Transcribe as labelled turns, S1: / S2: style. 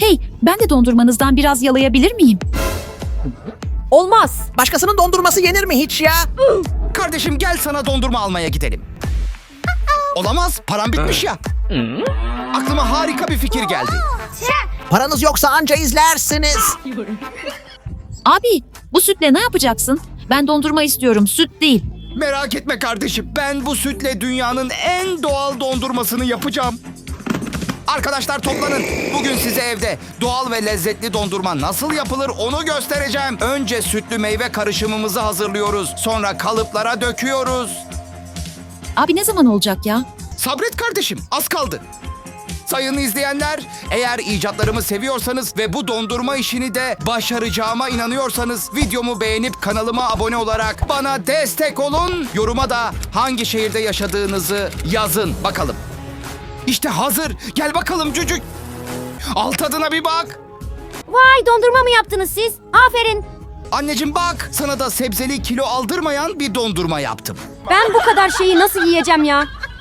S1: Hey, ben de dondurmanızdan biraz yalayabilir miyim?
S2: Olmaz.
S3: Başkasının dondurması yenir mi hiç ya?
S4: Kardeşim gel sana dondurma almaya gidelim. Olamaz, param bitmiş ya. Aklıma harika bir fikir geldi.
S3: Paranız yoksa anca izlersiniz.
S1: Abi, bu sütle ne yapacaksın? Ben dondurma istiyorum, süt değil.
S4: Merak etme kardeşim, ben bu sütle dünyanın en doğal dondurmasını yapacağım. Arkadaşlar toplanın. Bugün size evde doğal ve lezzetli dondurma nasıl yapılır onu göstereceğim. Önce sütlü meyve karışımımızı hazırlıyoruz. Sonra kalıplara döküyoruz.
S1: Abi ne zaman olacak ya?
S4: Sabret kardeşim, az kaldı. Sayın izleyenler, eğer icatlarımı seviyorsanız ve bu dondurma işini de başaracağıma inanıyorsanız videomu beğenip kanalıma abone olarak bana destek olun. Yoruma da hangi şehirde yaşadığınızı yazın bakalım. İşte hazır. Gel bakalım cücük. Al tadına bir bak.
S2: Vay, dondurma mı yaptınız siz? Aferin.
S4: Anneciğim bak, sana da sebzeli kilo aldırmayan bir dondurma yaptım.
S2: Ben bu kadar şeyi nasıl yiyeceğim ya?